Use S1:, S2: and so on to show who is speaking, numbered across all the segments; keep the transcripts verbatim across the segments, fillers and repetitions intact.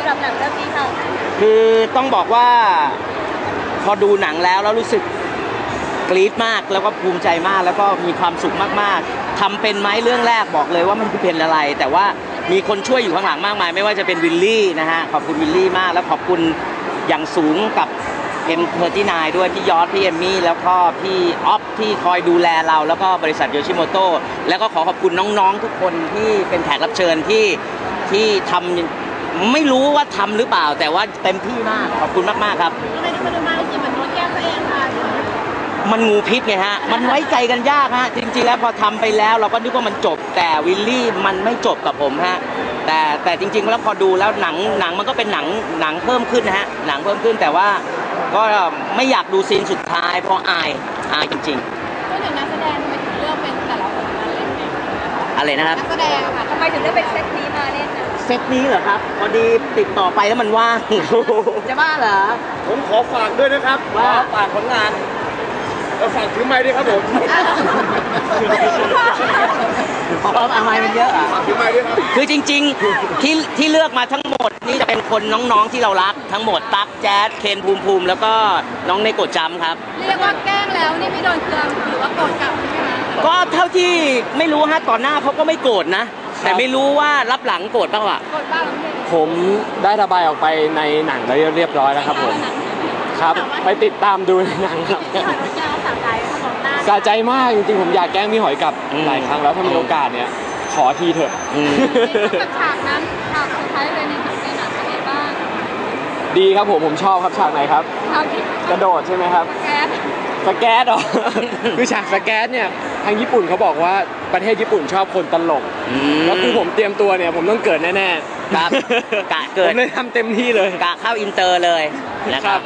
S1: รับหนังเรื่องนี้ค่ะ
S2: คือต้องบอกว่าพอดูหนังแล้วแล้วรู้สึกกรี๊ดมากแล้วก็ภูมิใจมากแล้วก็มีความสุขมากๆทำเป็นไหมเรื่องแรกบอกเลยว่ามันคือเป็นอะไรแต่ว่ามีคนช่วยอยู่ข้างหลังมากมายไม่ว่าจะเป็นวิลลี่นะฮะขอบคุณวิลลี่มากแล้วขอบคุณอย่างสูงกับ เอ็ม สามสิบเก้า ด้วยพี่ยอร์ดพี่เอมมี่แล้วก็พี่ออฟที่คอยดูแลเราแล้วก็บริษัทโยชิโมโต้แล้วก็ขอขอบคุณน้องๆทุกคนที่เป็นแขกรับเชิญที่ที่ทำไม่รู้ว่าทำหรือเปล่าแต่ว่าเต็มที่มากขอบคุณมากๆครับ
S1: ทำไมที่มาดูมาคือเหมือนโดนแก้ตัวเองค่ะ
S2: มันงูพิษไงฮะมันไว้ใจกันยากฮะจริงๆแล้วพอทำไปแล้วเราก็นึกว่ามันจบแต่วิลลี่มันไม่จบกับผมฮะแต่แต่จริงๆแล้วพอดูแล้วหนังหนังมันก็เป็นหนังหนังเพิ่มขึ้นนะฮะหนังเพิ่มขึ้นแต่ว่าก็ไม่อยากดูซีนสุดท้ายเพราะอายอายจริง
S1: ๆก็ถึงนักแสดงทำไมถึงเลือกเป็นแต่ละคนมาเล่นเนี่ย
S2: อะไรนะครับ
S1: นักแสดงค่ะทำไมถึงเลือกเป็นเซตนี้มาเล่น
S2: เซตนี้เหรอครับพอดีติดต่อไปแล้วมันว่างจะบ้าเหรอ
S3: ผมขอฝากด้วยนะครับ
S2: ว่าฝากผลงาน
S3: เราฝากถือไม้ด้วยครับผม
S2: เพราะอะไรมันเยอะอ่ะ
S3: ถือไม้ด้วยครับ
S2: คือจริงๆที่ที่เลือกมาทั้งหมดนี่จะเป็นคนน้องๆที่เรารักทั้งหมดตั๊กแจ๊ดเคนภูมิภูมิแล้วก็น้องเนโกะจัมครับ
S1: เรียกว่าแกล้งแล้วนี่ไม่โดนเคืองหรือว่าโกรธกลับใช่ไหมคะ
S2: ก็เท่าที่ไม่รู้ฮะต่อหน้าเขาก็ไม่โกรธนะแต่ไม่รู้ว่ารับหลังโกรธบ้างวะ
S1: โกรธบ้าง
S4: ผมได้ระบายออกไปในหนังเรียบร้อยแล้วครับผมครับไปติดตามดูในหนังครับสะใจมากจริงๆผมอยากแกล้งพี่หอยกับหลายครั้งแล้วถ้ามีโอกาสเนี่ยขอทีเถอะ
S1: ฉากนั้นฉากสุดท้ายเลยในหนังในหนังเป็นไงบ้าง
S4: ดีครับผมผมชอบครับฉากไหนครับกระโดดใช่ไหมครับสแกตหรอคือฉากสแกตเนี่ยทางญี่ปุ่นเขาบอกว่าประเทศญี่ปุ่นชอบคนตลกแล้วคือผมเตรียมตัวเนี่ยผมต้องเกิดแน่
S2: ๆครับกะเกิด
S4: ผมเลยทำเต็มที่เลย
S2: กะเข้าอินเตอร์เลยนะครับ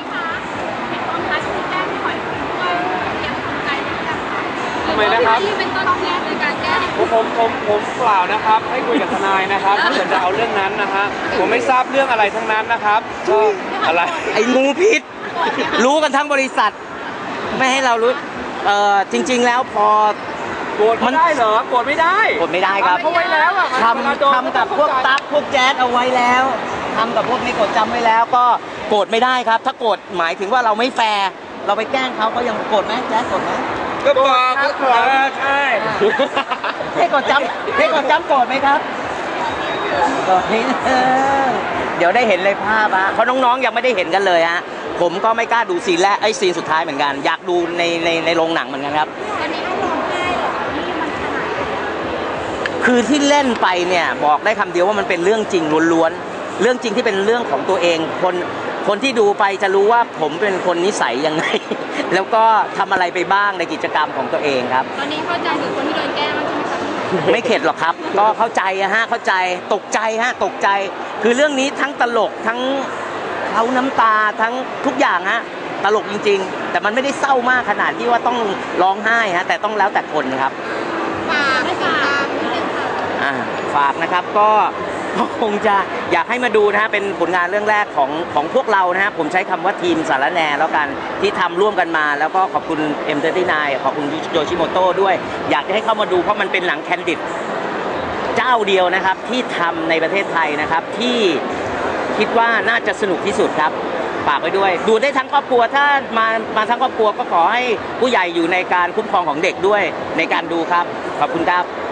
S4: ทำไมนะครับ
S1: เป็นต้นเหตุในการแก้
S4: ผมผมผมผมเปล่านะครับให้คุยกับทนายนะครับถ้าเกิดจะเอาเรื่องนั้นนะฮะผมไม่ทราบเรื่องอะไรทั้งนั้นนะครับก็อะไร
S2: ไอ้งูพิษรู้กันทั้งบริษัทไม่ให้เรารู้เอ่อจริงๆแล้วพอ
S4: โกรธมันได้เหรอโกรธไม่ได้
S2: โกรธไม่ได้ครับ
S4: เขาไว้แล้วอะ
S2: ทำทำกับพวกตั๊กพวกแจ๊สเอาไว้แล้วทำกับพวกนี้กดจำไว้แล้วก็โกรธไม่ได้ครับถ้าโกรธหมายถึงว่าเราไม่แฟร์เราไปแกล้งเขาเขายังโกรธไหมแจ๊สโกรธไหม
S4: ก็บอกก็โกรธใช่
S2: ให้กดจำให้กดจำโกรธไหมครับก็เดี๋ยวได้เห็นเลยภาพอะเพราะน้องๆยังไม่ได้เห็นกันเลยฮะผมก็ไม่กล้าดูซีนแรกไอ้ซีนสุดท้ายเหมือนกันอยากดูในในในโรงหนังเหมือนกันครับ
S1: ตอนนี้ก็ร้องไห้หรอนี่มันขนาด
S2: คือที่เล่นไปเนี่ยบอกได้คำเดียวว่ามันเป็นเรื่องจริงล้วนๆเรื่องจริงที่เป็นเรื่องของตัวเองคนคนที่ดูไปจะรู้ว่าผมเป็นคนนิสัยยังไงแล้วก็ทำอะไรไปบ้างในกิจกรรมของตัวเองครับ
S1: ตอนนี้เข้าใจถึงคนที่โดนแกล้งใช่ไหมครับ
S2: ไม่เข็ดหรอกครับก็เข้าใจฮะเข้าใจตกใจฮะตกใจคือเรื่องนี้ทั้งตลกทั้งเขาน้ำตาทั้งทุกอย่างฮะตลกจริงๆแต่มันไม่ได้เศร้ามากขนาดที่ว่าต้องร้องไห้ฮะแต่ต้องแล้วแต่คนครับ
S1: ฝากให้ฝากนิดนึงค่ะ
S2: อ่าฝากนะครับก็คงจะอยากให้มาดูนะฮะเป็นผลงานเรื่องแรกของของพวกเรานะฮะผมใช้คำว่าทีมสารแหน่แล้วกันที่ทำร่วมกันมาแล้วก็ขอบคุณ เอ็ม สามสิบเก้า ขอบคุณโยชิโมโต้ด้วยอยากจะให้เข้ามาดูเพราะมันเป็นหนังแคนดิดเจ้าเดียวนะครับที่ทำในประเทศไทยนะครับที่คิดว่าน่าจะสนุกที่สุดครับฝากไว้ด้วยดูได้ทั้งครอบครัวถ้ามามาทั้งครอบครัวก็ขอให้ผู้ใหญ่อยู่ในการคุ้มครองของเด็กด้วยในการดูครับขอบคุณครับ